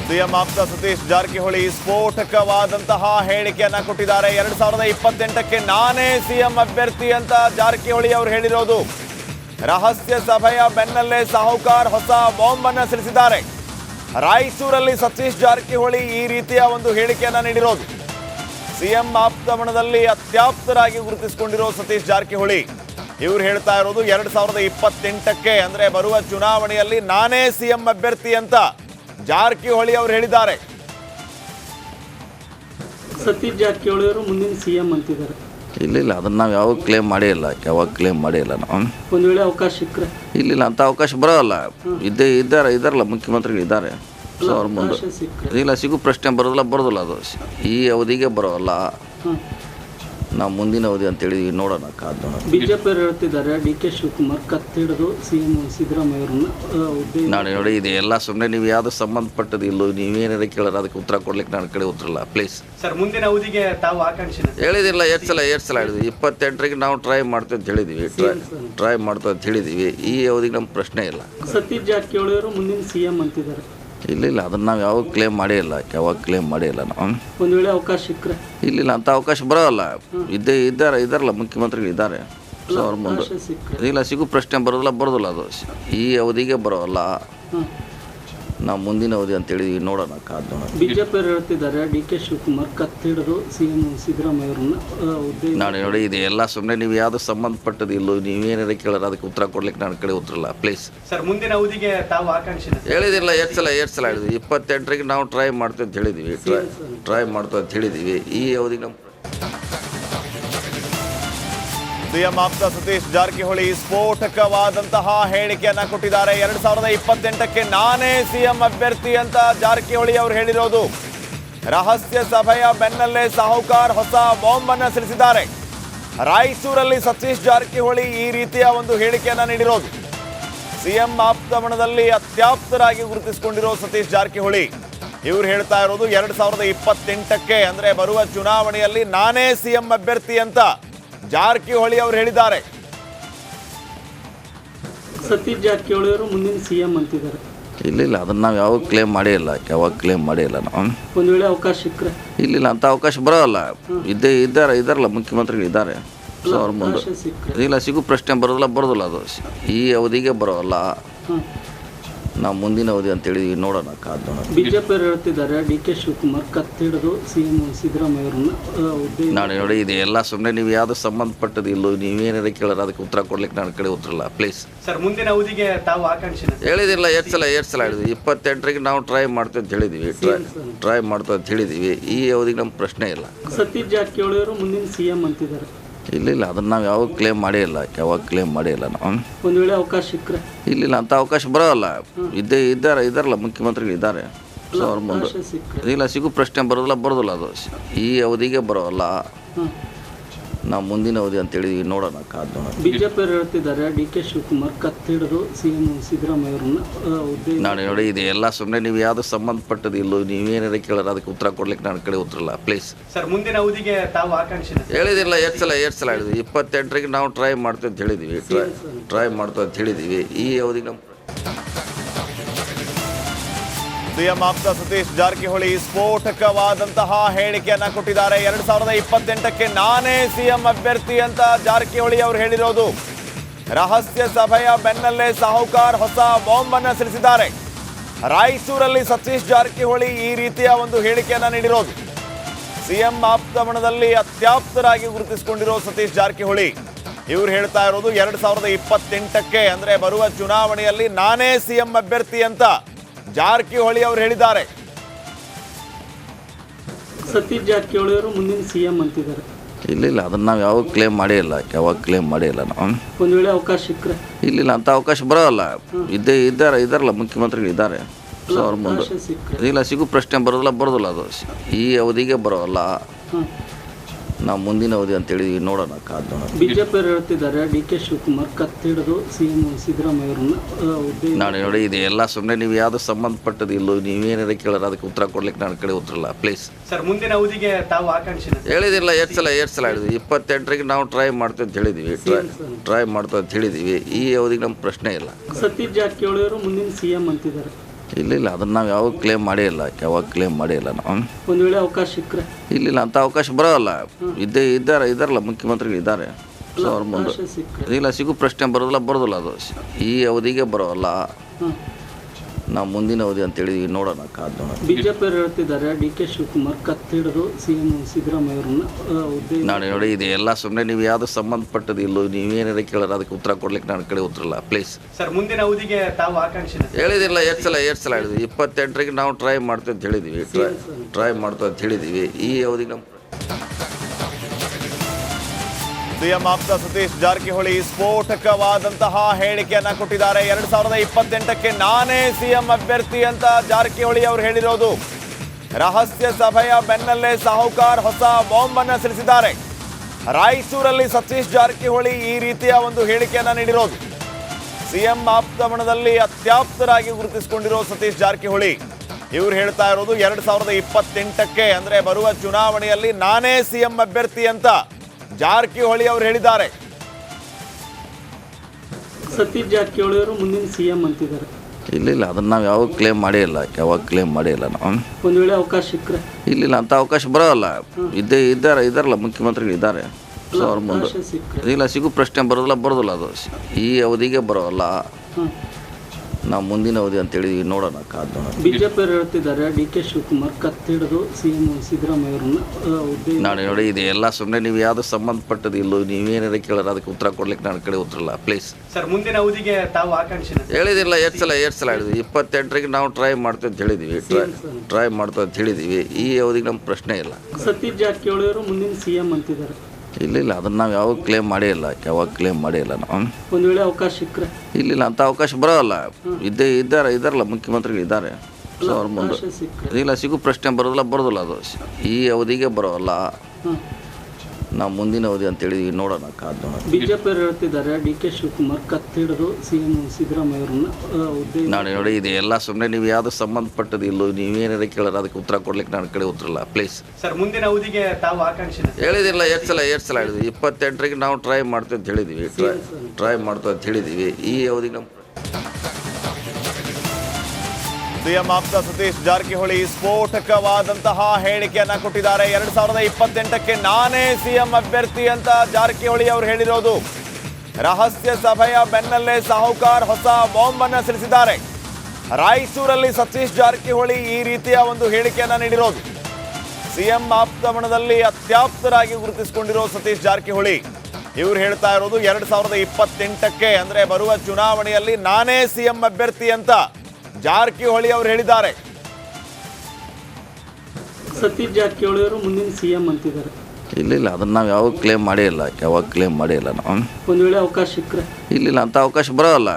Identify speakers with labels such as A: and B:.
A: CM ಆಪ್ತ ಸತೀಶ್ ಜಾರಕಿಹೊಳಿ ಸ್ಫೋಟಕವಾದಂತಹ ಹೇಳಿಕೆಯನ್ನ ಕೊಟ್ಟಿದ್ದಾರೆ. 2028ಕ್ಕೆ ನಾನೇ ಸಿಎಂ ಅಭ್ಯರ್ಥಿ ಅಂತ ಜಾರಕಿಹೊಳಿ ಅವರು ಹೇಳಿರೋದು. ರಹಸ್ಯ ಸಭೆಯ ಬೆನ್ನಲ್ಲೇ ಸಾಹುಕಾರ್ ಹೊಸ ಬಾಂಬ್ ಅನ್ನು ಸಿಡಿಸಿದ್ದಾರೆ. ರಾಯಚೂರಲ್ಲಿ ಸತೀಶ್ ಜಾರಕಿಹೊಳಿ ಈ ರೀತಿಯ ಒಂದು ಹೇಳಿಕೆಯನ್ನ ನೀಡಿರೋದು. ಸಿಎಂ ಆಪ್ತಮಣದಲ್ಲಿ ಅತ್ಯಾಪ್ತರಾಗಿ ಗುರುತಿಸಿಕೊಂಡಿರೋ ಸತೀಶ್ ಜಾರಕಿಹೊಳಿ ಇವರು ಹೇಳ್ತಾ ಇರೋದು 2028ಕ್ಕೆ ಅಂದ್ರೆ ಬರುವ ಚುನಾವಣೆಯಲ್ಲಿ ನಾನೇ ಸಿಎಂ ಅಭ್ಯರ್ಥಿ ಅಂತ ಜಾರಕಿಹೊಳಿ ಅವರು ಹೇಳಿದ್ದಾರೆ.
B: ಸತೀಶ್ ಜಾರಕಿಹೊಳಿ ಅವರು ಮುಂದಿನ ಸಿಎಂ ಅಂತಿದ್ದಾರೆ.
C: ಇಲ್ಲ ಅದನ್ನ ನಾವು ಯಾವಾಗ ಕ್ಲೇಮ್ ಮಾಡೇ ಇಲ್ಲ, ನಾವು
B: ಒಂದು ವೇಳೆ ಅವಕಾಶ ಸಿಕ್ಕರೆ
C: ಇಲ್ಲ ಅಂತ ಅವಕಾಶ ಬರೋಲ್ಲ. ಇದ್ದಾರಲ್ಲ ಮುಖ್ಯಮಂತ್ರಿಗಳು ಇದ್ದಾರೆ. ಸೊ ಅವ್ರ ಮುಂದೆ ಇಲ್ಲ ಸಿಗು ಪ್ರಶ್ನೆ ಬರೋದಿಲ್ಲ ಅದು ಈ ಅವಧಿಗೆ ಬರೋಲ್ಲ. ನಾವು ಮುಂದಿನ ಅವಧಿ ಅಂತೇಳಿ ನೋಡೋಣ, ಕಾದ್ ನೋಡೋಣ.
B: ಬಿಜೆಪಿ ಹೇಳ್ತಿದ್ದಾರೆ ಡಿ.ಕೆ. ಶಿವಕುಮಾರ್ ಕತ್ತಿಡಿದು ಸಿಎಂ ಸಿದ್ದರಾಮಯ್ಯ ಅವರನ್ನ
C: ನಾನು ನೋಡಿ ಇದು ಎಲ್ಲ ಸುಮ್ಮನೆ ನೀವು ಯಾವ್ದು ಸಂಬಂಧಪಟ್ಟದ್ದು ಇಲ್ಲೋ ನೀವೇನಾರ ಕೇಳೋರು ಅದಕ್ಕೆ ಉತ್ತರ ಕೊಡ್ಲಿಕ್ಕೆ ನನ್ನ ಕಡೆ ಉತ್ತರಲ್ಲ ಪ್ಲೀಸ್.
D: ಸರ್ ಮುಂದಿನ ಅವಧಿಗೆ ತಾವು ಆಕಾಂಕ್ಷೆ
C: ಹೇಳಿದಿಲ್ಲ ಎಷ್ಟು ಸಲ ಹೇಳಿದ್ವಿ. 28ಕ್ಕೆ ನಾವು ಟ್ರೈ ಮಾಡ್ತೀವಿ ಅಂತ ಹೇಳಿದ್ವಿ. ಟ್ರೈ ಮಾಡ್ತೀವಿ ಅಂತ ಹೇಳಿದ್ವಿ. ಈ ಅವಧಿಗೆ ನಮ್ಮ ಪ್ರಶ್ನೆ ಇಲ್ಲ.
B: ಸತೀಶ್ ಜಾರಕಿಹೊಳಿ ಅವರು ಮುಂದಿನ ಸಿಎಂ ಅಂತಿದ್ದಾರೆ.
C: ಇಲ್ಲ ಅದನ್ನ ನಾವು ಯಾವಾಗ ಕ್ಲೇಮ್ ಮಾಡೇ ಇಲ್ಲ, ನಾವು
B: ಒಂದು ವೇಳೆ ಅವಕಾಶ ಸಿಕ್ಕರೆ
C: ಇಲ್ಲ ಅಂತ ಅವಕಾಶ ಬರೋಲ್ಲ. ಇದ್ದಾರಲ್ಲ ಮುಖ್ಯಮಂತ್ರಿಗಳು ಇದ್ದಾರೆ. ಸೊ ಅವ್ರ ಮುಂದೆ ಇಲ್ಲ ಸಿಗು ಪ್ರಶ್ನೆ ಬರೋದಿಲ್ಲ ಅದು ಈ ಅವಧಿಗೆ ಬರೋಲ್ಲ. ನಾವು ಮುಂದಿನ ಅವಧಿ ಅಂತೇಳಿ ನೋಡೋಣ, ಕಾದ್ ನೋಡೋಣ.
B: ಬಿಜೆಪಿ ಹೇಳ್ತಿದ್ದಾರೆ ಡಿ.ಕೆ. ಶಿವಕುಮಾರ್ ಕತ್ತಿಡಿದು ಸಿಎಂ ಸಿದ್ದರಾಮಯ್ಯ ಅವರನ್ನ
C: ನಾನು ನೋಡಿ ಇದು ಎಲ್ಲ ಸುಮ್ಮನೆ ನೀವು ಯಾವ್ದು ಸಂಬಂಧಪಟ್ಟದ್ದು ಇಲ್ಲೋ ನೀವೇನಾರ ಕೇಳೋರು ಅದಕ್ಕೆ ಉತ್ತರ ಕೊಡ್ಲಿಕ್ಕೆ ನನ್ನ ಕಡೆ ಉತ್ತರಲ್ಲ ಪ್ಲೀಸ್.
D: ಸರ್ ಮುಂದಿನ ಅವಧಿಗೆ ತಾವು ಆಕಾಂಕ್ಷೆ
C: ಹೇಳಿದಿಲ್ಲ ಎಷ್ಟು ಸಲ ಹೇಳಿದ್ವಿ. 28ಕ್ಕೆ ನಾವು ಟ್ರೈ ಮಾಡ್ತೀವಿ ಅಂತ ಹೇಳಿದ್ವಿ. ಟ್ರೈ ಮಾಡ್ತೀವಿ ಅಂತ ಹೇಳಿದ್ವಿ. ಈ ಅವಧಿಗೆ ನಮ್ಮ
A: ಸಿಎಂ ಆಪ್ತ ಸತೀಶ್ ಜಾರಕಿಹೊಳಿ ಸ್ಫೋಟಕವಾದಂತಹ ಹೇಳಿಕೆಯನ್ನ ಕೊಟ್ಟಿದ್ದಾರೆ. 2028ಕ್ಕೆ ನಾನೇ ಸಿಎಂ ಅಭ್ಯರ್ಥಿ ಅಂತ ಜಾರಕಿಹೊಳಿ ಅವರು ಹೇಳಿರೋದು. ರಹಸ್ಯ ಸಭೆಯ ಬೆನ್ನಲ್ಲೇ ಸಾಹುಕಾರ್ ಹೊಸ ಬಾಂಬ್ ಅನ್ನು ಸಿಡಿಸಿದ್ದಾರೆ. ರಾಯಚೂರಲ್ಲಿ ಸತೀಶ್ ಜಾರಕಿಹೊಳಿ ಈ ರೀತಿಯ ಒಂದು ಹೇಳಿಕೆಯನ್ನ ನೀಡಿರೋದು. ಸಿಎಂ ಆಪ್ತಮಣದಲ್ಲಿ ಅತ್ಯಾಪ್ತರಾಗಿ ಗುರುತಿಸಿಕೊಂಡಿರೋ ಸತೀಶ್ ಜಾರಕಿಹೊಳಿ ಇವರು ಹೇಳ್ತಾ ಇರೋದು 2028ಕ್ಕೆ ಅಂದ್ರೆ ಬರುವ ಚುನಾವಣೆಯಲ್ಲಿ ನಾನೇ ಸಿಎಂ ಅಭ್ಯರ್ಥಿ ಅಂತ ಜಾರಕಿಹೊಳಿ ಅವರು ಹೇಳಿದ್ದಾರೆ.
B: ಸತೀಶ್ ಜಾರಕಿಹೊಳಿ ಅವರು ಮುಂದಿನ ಸಿಎಂ ಅಂತಿದ್ದಾರೆ.
C: ಇಲ್ಲ ಅದನ್ನ ನಾವು ಯಾವಾಗ ಕ್ಲೇಮ್ ಮಾಡೇ ಇಲ್ಲ, ನಾವು
B: ಒಂದು ವೇಳೆ ಅವಕಾಶ ಸಿಕ್ಕರೆ
C: ಇಲ್ಲ ಅಂತ ಅವಕಾಶ ಬರೋಲ್ಲ. ಇದ್ದಾರಲ್ಲ ಮುಖ್ಯಮಂತ್ರಿಗಳು ಇದ್ದಾರೆ. ಸೊ ಅವ್ರ ಮುಂದೆ ಇಲ್ಲ ಸಿಗು ಪ್ರಶ್ನೆ ಬರೋದಿಲ್ಲ ಅದು ಈ ಅವಧಿಗೆ ಬರೋಲ್ಲ. ನಾವು ಮುಂದಿನ ಅವಧಿ ಅಂತೇಳಿ ನೋಡೋಣ, ಕಾದ್ ನೋಡೋಣ.
B: ಬಿಜೆಪಿ ಹೇಳ್ತಿದ್ದಾರೆ ಡಿ.ಕೆ. ಶಿವಕುಮಾರ್ ಕತ್ತಿಡಿದು ಸಿಎಂ ಸಿದ್ದರಾಮಯ್ಯ ಅವರನ್ನ
C: ನಾನು ನೋಡಿ ಇದು ಎಲ್ಲ ಸುಮ್ಮನೆ ನೀವು ಯಾವ್ದು ಸಂಬಂಧಪಟ್ಟದ್ದು ಇಲ್ಲೋ ನೀವೇನಾರ ಕೇಳೋರು ಅದಕ್ಕೆ ಉತ್ತರ ಕೊಡ್ಲಿಕ್ಕೆ ನನ್ನ ಕಡೆ ಉತ್ತರಲ್ಲ ಪ್ಲೀಸ್.
D: ಸರ್ ಮುಂದಿನ ಅವಧಿಗೆ ತಾವು ಆಕಾಂಕ್ಷೆ
C: ಹೇಳಿದಿಲ್ಲ ಎಷ್ಟು ಸಲ ಹೇಳಿದ್ವಿ. 28ಕ್ಕೆ ನಾವು ಟ್ರೈ ಮಾಡ್ತೀವಿ ಅಂತ ಹೇಳಿದ್ವಿ. ಟ್ರೈ ಮಾಡ್ತೀವಿ ಅಂತ ಹೇಳಿದ್ವಿ. ಈ ಅವಧಿಗೆ ನಮ್ಮ ಪ್ರಶ್ನೆ ಇಲ್ಲ.
B: ಸತೀಶ್ ಜಾರಕಿಹೊಳಿ ಅವರು ಮುಂದಿನ ಸಿಎಂ ಅಂತಿದ್ದಾರೆ.
C: ಇಲ್ಲ ಅದನ್ನ ನಾವು ಯಾವಾಗ ಕ್ಲೇಮ್ ಮಾಡೇ ಇಲ್ಲ, ನಾವು
B: ಒಂದು ವೇಳೆ ಅವಕಾಶ ಸಿಕ್ಕರೆ
C: ಇಲ್ಲ ಅಂತ ಅವಕಾಶ ಬರೋಲ್ಲ. ಇದ್ದಾರಲ್ಲ ಮುಖ್ಯಮಂತ್ರಿಗಳು ಇದ್ದಾರೆ. ಸೊ ಅವ್ರ ಮುಂದೆ ಇಲ್ಲ ಸಿಗು ಪ್ರಶ್ನೆ ಬರೋದಿಲ್ಲ ಅದು ಈ ಅವಧಿಗೆ ಬರೋಲ್ಲ. ನಾವು ಮುಂದಿನ ಅವಧಿ ಅಂತೇಳಿ ನೋಡೋಣ, ಕಾದ್ ನೋಡೋಣ.
B: ಬಿಜೆಪಿ ಹೇಳ್ತಿದ್ದಾರೆ ಡಿ.ಕೆ. ಶಿವಕುಮಾರ್ ಕತ್ತಿಡಿದು ಸಿಎಂ ಸಿದ್ದರಾಮಯ್ಯ ಅವರನ್ನ
C: ನಾನು ನೋಡಿ ಇದು ಎಲ್ಲ ಸುಮ್ಮನೆ ನೀವು ಯಾವ್ದು ಸಂಬಂಧಪಟ್ಟದ್ದು ಇಲ್ಲೋ ನೀವೇನಾರ ಕೇಳೋರು ಅದಕ್ಕೆ ಉತ್ತರ ಕೊಡ್ಲಿಕ್ಕೆ ನನ್ನ ಕಡೆ ಉತ್ತರಲ್ಲ ಪ್ಲೀಸ್.
D: ಸರ್ ಮುಂದಿನ ಅವಧಿಗೆ ತಾವು ಆಕಾಂಕ್ಷೆ
C: ಹೇಳಿದಿಲ್ಲ ಎಷ್ಟು ಸಲ ಹೇಳಿದ್ವಿ. 28ಕ್ಕೆ ನಾವು ಟ್ರೈ ಮಾಡ್ತೀವಿ ಅಂತ ಹೇಳಿದ್ವಿ. ಟ್ರೈ ಮಾಡ್ತೀವಿ ಅಂತ ಹೇಳಿದ್ವಿ. ಈ ಅವಧಿಗೆ ನಮ್ಮ
A: ಸಿಎಂ ಆಪ್ತ ಸತೀಶ್ ಜಾರಕಿಹೊಳಿ ಸ್ಫೋಟಕವಾದಂತಹ ಹೇಳಿಕೆಯನ್ನ ಕೊಟ್ಟಿದ್ದಾರೆ. 2028ಕ್ಕೆ ನಾನೇ ಸಿಎಂ ಅಭ್ಯರ್ಥಿ ಅಂತ ಜಾರಕಿಹೊಳಿ ಅವರು ಹೇಳಿರೋದು. ರಹಸ್ಯ ಸಭೆಯ ಬೆನ್ನಲ್ಲೇ ಸಾಹುಕಾರ್ ಹೊಸ ಬಾಂಬ್ ಅನ್ನು ಸಿಡಿಸಿದ್ದಾರೆ. ರಾಯಚೂರಲ್ಲಿ ಸತೀಶ್ ಜಾರಕಿಹೊಳಿ ಈ ರೀತಿಯ ಒಂದು ಹೇಳಿಕೆಯನ್ನ ನೀಡಿರೋದು. ಸಿಎಂ ಆಪ್ತಮಣದಲ್ಲಿ ಅತ್ಯಾಪ್ತರಾಗಿ ಗುರುತಿಸಿಕೊಂಡಿರೋ ಸತೀಶ್ ಜಾರಕಿಹೊಳಿ ಇವರು ಹೇಳ್ತಾ ಇರೋದು 2028ಕ್ಕೆ ಅಂದ್ರೆ ಬರುವ ಚುನಾವಣೆಯಲ್ಲಿ ನಾನೇ ಸಿಎಂ ಅಭ್ಯರ್ಥಿ ಅಂತ ಜಾರಕಿಹೊಳಿ ಅವರು ಹೇಳಿದ್ದಾರೆ.
B: ಸತೀಶ್ ಜಾರಕಿಹೊಳಿ ಅವರು ಮುಂದಿನ ಸಿಎಂ ಅಂತಿದ್ದಾರೆ.
C: ಇಲ್ಲ ಅದನ್ನ ನಾವು ಯಾವಾಗ ಕ್ಲೇಮ್ ಮಾಡೇ ಇಲ್ಲ, ನಾವು
B: ಒಂದು ವೇಳೆ ಅವಕಾಶ ಸಿಕ್ಕರೆ
C: ಇಲ್ಲ ಅಂತ ಅವಕಾಶ ಬರೋಲ್ಲ. ಇದ್ದಾರಲ್ಲ ಮುಖ್ಯಮಂತ್ರಿಗಳು ಇದ್ದಾರೆ. ಸೊ ಅವ್ರ ಮುಂದೆ ಇಲ್ಲ ಸಿಗು ಪ್ರಶ್ನೆ ಬರೋದಿಲ್ಲ ಅದು ಈ ಅವಧಿಗೆ ಬರೋಲ್ಲ. ನಾವು ಮುಂದಿನ ಅವಧಿ ಅಂತೇಳಿ ನೋಡೋಣ, ಕಾದ್ ನೋಡೋಣ.
B: ಬಿಜೆಪಿ ಹೇಳ್ತಿದ್ದಾರೆ ಡಿ.ಕೆ. ಶಿವಕುಮಾರ್ ಕತ್ತಿಡಿದು ಸಿಎಂ ಸಿದ್ದರಾಮಯ್ಯ ಅವರನ್ನ
C: ನಾನು ನೋಡಿ ಇದು ಎಲ್ಲ ಸುಮ್ಮನೆ ನೀವು ಯಾವ್ದು ಸಂಬಂಧಪಟ್ಟದ್ದು ಇಲ್ಲೋ ನೀವೇನಾರ ಕೇಳೋರು ಅದಕ್ಕೆ ಉತ್ತರ ಕೊಡ್ಲಿಕ್ಕೆ ನನ್ನ ಕಡೆ ಉತ್ತರಲ್ಲ ಪ್ಲೀಸ್.
D: ಸರ್ ಮುಂದಿನ ಅವಧಿಗೆ ತಾವು ಆಕಾಂಕ್ಷೆ
C: ಹೇಳಿದಿಲ್ಲ ಎಷ್ಟು ಸಲ ಹೇಳಿದ್ವಿ. 28ಕ್ಕೆ ನಾವು ಟ್ರೈ ಮಾಡ್ತೀವಿ ಅಂತ ಹೇಳಿದ್ವಿ. ಟ್ರೈ ಮಾಡ್ತೀವಿ ಅಂತ ಹೇಳಿದ್ವಿ. ಈ ಅವಧಿಗೆ ನಮ್ಮ ಪ್ರಶ್ನೆ ಇಲ್ಲ.
B: ಸತೀಶ್ ಜಾರಕಿಹೊಳಿ ಅವರು ಮುಂದಿನ ಸಿಎಂ ಅಂತಿದ್ದಾರೆ.
C: ಇಲ್ಲ ಅದನ್ನು ನಾವು ಯಾವಾಗ ಕ್ಲೇಮ್ ಮಾಡೇ ಇಲ್ಲ, ಕ್ಲೇಮ್ ಮಾಡೇ ಇಲ್ಲ ನಾವು.
B: ಒಂದು ವೇಳೆ ಅವಕಾಶ ಸಿಕ್ಕರೆ
C: ಇಲ್ಲ ಅಂಥ ಅವಕಾಶ ಬರೋಲ್ಲ. ಇದ್ದಾರಲ್ಲ ಮುಖ್ಯಮಂತ್ರಿಗಳು ಇದ್ದಾರೆ. ಸೊ ಅವ್ರ ಮುಂದೆ
B: ಅವಕಾಶ ಸಿಕ್ಕರೆ
C: ಇಲ್ಲ ಸಿಗೋ ಪ್ರಶ್ನೆ ಬರೋದಿಲ್ಲ ಅದು. ಈ ಅವಧಿಗೆ ಬರೋಲ್ಲ, ನಾವು ಮುಂದಿನ ಅವಧಿ ಅಂತೇಳಿ ನೋಡೋಣ, ಕಾದು ನೋಡೋಣ.
B: ಬಿಜೆಪಿಯವರು ಹೇಳ್ತಿದ್ದಾರೆ ಡಿ ಕೆ ಶಿವಕುಮಾರ್ ಕತ್ತಿಡಿದು ಸಿಎಂ ಸಿದ್ದರಾಮಯ್ಯ ಅವರನ್ನ ಹುದ್ದೆ
C: ನೋಡಿ ಇದು ಎಲ್ಲ ಸುಮ್ಮನೆ ನೀವು ಯಾವುದು ಸಂಬಂಧಪಟ್ಟದ್ದು ಇಲ್ಲೋ, ನೀವೇನಾರ ಕೇಳೋರು ಅದಕ್ಕೆ ಉತ್ತರ ಕೊಡ್ಲಿಕ್ಕೆ ನನ್ನ ಕಡೆ ಉತ್ತರ ಇಲ್ಲ ಪ್ಲೀಸ್.
D: ಸರ್ ಮುಂದಿನ ಅವಧಿಗೆ ತಾವು ಆಕಾಂಕ್ಷಿನ
C: ಹೇಳಿದಿಲ್ಲ, ಎಷ್ಟು ಸಲ ಹೇಳಿದ್ವಿ. 28ರಿಗೆ ನಾವು ಟ್ರೈ ಮಾಡ್ತೀವಿ ಅಂತ ಹೇಳಿದ್ವಿ, ಟ್ರೈ ಮಾಡ್ತೀವಿ ಅಂತ ಹೇಳಿದ್ವಿ. ಈ ಅವಧಿಗೆ ನಮ್ಮ
A: ಸಿಎಂ ಆಪ್ತ ಸತೀಶ್ ಜಾರಕಿಹೊಳಿ ಸ್ಫೋಟಕವಾದಂತಹ ಹೇಳಿಕೆಯನ್ನ ಕೊಟ್ಟಿದ್ದಾರೆ. 2028ಕ್ಕೆ ನಾನೇ ಸಿಎಂ ಅಭ್ಯರ್ಥಿ ಅಂತ ಜಾರಕಿಹೊಳಿ ಅವರು ಹೇಳಿರೋದು. ರಹಸ್ಯ ಸಭೆಯ ಬೆನ್ನಲ್ಲೇ ಸಾಹುಕಾರ್ ಹೊಸ ಬಾಂಬ್ ಅನ್ನ ಸಿಡಿಸಿದ್ದಾರೆ. ರಾಯಚೂರಲ್ಲಿ ಸತೀಶ್ ಜಾರಕಿಹೊಳಿ ಈ ರೀತಿಯ ಒಂದು ಹೇಳಿಕೆಯನ್ನ ನೀಡಿರೋದು. ಸಿಎಂ ಆಪ್ತಮಣದಲ್ಲಿ ಅತ್ಯಾಪ್ತರಾಗಿ ಗುರುತಿಸಿಕೊಂಡಿರೋ ಸತೀಶ್ ಜಾರಕಿಹೊಳಿ ಇವರು ಹೇಳ್ತಾ ಇರೋದು 2028ಕ್ಕೆ ಅಂದ್ರೆ ಬರುವ ಚುನಾವಣೆಯಲ್ಲಿ ನಾನೇ ಸಿಎಂ ಅಭ್ಯರ್ಥಿ ಅಂತ ಜಾರಕಿಹೊಳಿ ಅವರು ಹೇಳಿದ್ದಾರೆ.
B: ಸತೀಶ್ ಜಾರಕಿಹೊಳಿ ಅವರು ಮುಂದಿನ ಸಿಎಂ ಅಂತಿದ್ದಾರೆ.
C: ಇಲ್ಲ ಅದನ್ನು ನಾವು ಯಾವಾಗ ಕ್ಲೇಮ್ ಮಾಡೇ ಇಲ್ಲ, ಕ್ಲೇಮ್ ಮಾಡೇ ಇಲ್ಲ ನಾವು.
B: ಒಂದು ವೇಳೆ ಅವಕಾಶ ಸಿಕ್ಕರೆ
C: ಇಲ್ಲ ಅಂಥ ಅವಕಾಶ ಬರೋಲ್ಲ. ಇದ್ದಾರಲ್ಲ ಮುಖ್ಯಮಂತ್ರಿಗಳು ಇದ್ದಾರೆ. ಸೊ ಅವ್ರ ಮುಂದೆ
B: ಅವಕಾಶ ಸಿಕ್ಕರೆ
C: ಇಲ್ಲ ಸಿಗೋ ಪ್ರಶ್ನೆ ಬರೋದಿಲ್ಲ ಅದು. ಈ ಅವಧಿಗೆ ಬರೋಲ್ಲ, ನಾವು ಮುಂದಿನ ಅವಧಿ ಅಂತೇಳಿ ನೋಡೋಣ, ಕಾದು ನೋಡೋಣ.
B: ಬಿಜೆಪಿಯವರು ಹೇಳ್ತಿದ್ದಾರೆ ಡಿ ಕೆ ಶಿವಕುಮಾರ್ ಕತ್ತಿಡಿದು ಸಿಎಂ ಸಿದ್ದರಾಮಯ್ಯ ಅವರನ್ನ ಹುದ್ದೆ
C: ನೋಡಿ ಇದು ಎಲ್ಲ ಸುಮ್ಮನೆ ನೀವು ಯಾವುದು ಸಂಬಂಧಪಟ್ಟದ್ದು ಇಲ್ಲೋ, ನೀವೇನಾರ ಕೇಳೋರು ಅದಕ್ಕೆ ಉತ್ತರ ಕೊಡ್ಲಿಕ್ಕೆ ನನ್ನ ಕಡೆ ಉತ್ತರ ಇಲ್ಲ ಪ್ಲೀಸ್.
D: ಸರ್ ಮುಂದಿನ ಅವಧಿಗೆ ತಾವು ಆಕಾಂಕ್ಷಿನ
C: ಹೇಳಿದಿಲ್ಲ, ಎಷ್ಟು ಸಲ ಹೇಳಿದ್ವಿ. 28ರಿಗೆ ನಾವು ಟ್ರೈ ಮಾಡ್ತೀವಿ ಅಂತ ಹೇಳಿದ್ವಿ, ಟ್ರೈ ಮಾಡ್ತೀವಿ ಅಂತ ಹೇಳಿದ್ವಿ. ಈ ಅವಧಿಗೆ ನಮ್ಮ ಪ್ರಶ್ನೆ ಇಲ್ಲ.
B: ಸತೀಶ್ ಜಾರಕಿಹೊಳಿ ಅವರು ಮುಂದಿನ ಸಿಎಂ ಅಂತಿದ್ದಾರೆ.
C: ಇಲ್ಲ ಅದನ್ನು ನಾವು ಯಾವಾಗ ಕ್ಲೇಮ್ ಮಾಡೇ ಇಲ್ಲ, ಕ್ಲೇಮ್ ಮಾಡೇ ಇಲ್ಲ ನಾವು.
B: ಒಂದು ವೇಳೆ ಅವಕಾಶ ಸಿಕ್ಕರೆ
C: ಇಲ್ಲ ಅಂಥ ಅವಕಾಶ ಬರೋಲ್ಲ. ಇದ್ದಾರಲ್ಲ ಮುಖ್ಯಮಂತ್ರಿಗಳು ಇದ್ದಾರೆ. ಸೊ ಅವ್ರ ಮುಂದೆ
B: ಅವಕಾಶ ಸಿಕ್ಕರೆ
C: ಇಲ್ಲ ಸಿಗೋ ಪ್ರಶ್ನೆ ಬರೋದಿಲ್ಲ ಅದು. ಈ ಅವಧಿಗೆ ಬರೋಲ್ಲ, ನಾವು ಮುಂದಿನ ಅವಧಿ ಅಂತೇಳಿ ನೋಡೋಣ, ಕಾದು ನೋಡೋಣ.
B: ಬಿಜೆಪಿಯವರು ಹೇಳ್ತಿದ್ದಾರೆ ಡಿ ಕೆ ಶಿವಕುಮಾರ್ ಕತ್ತಿಡಿದು ಸಿಎಂ ಸಿದ್ದರಾಮಯ್ಯ ಅವರನ್ನ ಹುದ್ದೆ
C: ನೋಡಿ ಇದು ಎಲ್ಲ ಸುಮ್ಮನೆ ನೀವು ಯಾವುದು ಸಂಬಂಧಪಟ್ಟದ್ದು ಇಲ್ಲೋ, ನೀವೇನಾರ ಕೇಳೋರು ಅದಕ್ಕೆ ಉತ್ತರ ಕೊಡ್ಲಿಕ್ಕೆ ನನ್ನ ಕಡೆ ಉತ್ತರ ಇಲ್ಲ ಪ್ಲೀಸ್.
D: ಸರ್ ಮುಂದಿನ ಅವಧಿಗೆ ತಾವು ಆಕಾಂಕ್ಷಿನ
C: ಹೇಳಿದಿಲ್ಲ, ಎಷ್ಟು ಸಲ ಹೇಳಿದ್ವಿ. 28ರಿಗೆ ನಾವು ಟ್ರೈ ಮಾಡ್ತೀವಿ ಅಂತ ಹೇಳಿದ್ವಿ, ಟ್ರೈ ಮಾಡ್ತೀವಿ ಅಂತ ಹೇಳಿದ್ವಿ. ಈ ಅವಧಿಗೆ ನಮ್ಮ
A: ಸಿಎಂ ಆಪ್ತ ಸತೀಶ್ ಜಾರಕಿಹೊಳಿ ಸ್ಫೋಟಕವಾದಂತಹ ಹೇಳಿಕೆಯನ್ನ ಕೊಟ್ಟಿದ್ದಾರೆ. 2028ಕ್ಕೆ ನಾನೇ ಸಿಎಂ ಅಭ್ಯರ್ಥಿ ಅಂತ ಜಾರಕಿಹೊಳಿ ಅವರು ಹೇಳಿರೋದು. ರಹಸ್ಯ ಸಭೆಯ ಬೆನ್ನಲ್ಲೇ ಸಾಹುಕಾರ್ ಹೊಸ ಬಾಂಬ್ ಅನ್ನ ಸಿಡಿಸಿದ್ದಾರೆ. ರಾಯಚೂರಲ್ಲಿ ಸತೀಶ್ ಜಾರಕಿಹೊಳಿ ಈ ರೀತಿಯ ಒಂದು ಹೇಳಿಕೆಯನ್ನ ನೀಡಿರೋದು. ಸಿಎಂ ಆಪ್ತಮಣದಲ್ಲಿ ಅತ್ಯಾಪ್ತರಾಗಿ ಗುರುತಿಸಿಕೊಂಡಿರೋ ಸತೀಶ್ ಜಾರಕಿಹೊಳಿ ಇವರು ಹೇಳ್ತಾ ಇರೋದು 2028ಕ್ಕೆ ಅಂದ್ರೆ ಬರುವ ಚುನಾವಣೆಯಲ್ಲಿ ನಾನೇ ಸಿಎಂ ಅಭ್ಯರ್ಥಿ ಅಂತ ಜಾರಕಿಹೊಳಿ ಅವರು ಹೇಳಿದ್ದಾರೆ.
B: ಸತೀಶ್ ಜಾರಕಿಹೊಳಿ ಅವರು ಮುಂದಿನ ಸಿಎಂ ಅಂತಿದ್ದಾರೆ.
C: ಇಲ್ಲ ಅದನ್ನು ನಾವು ಯಾವಾಗ ಕ್ಲೇಮ್ ಮಾಡೇ ಇಲ್ಲ, ಕ್ಲೇಮ್ ಮಾಡೇ ಇಲ್ಲ ನಾವು.
B: ಒಂದು ವೇಳೆ ಅವಕಾಶ ಸಿಕ್ಕರೆ
C: ಇಲ್ಲ ಅಂಥ ಅವಕಾಶ ಬರೋಲ್ಲ.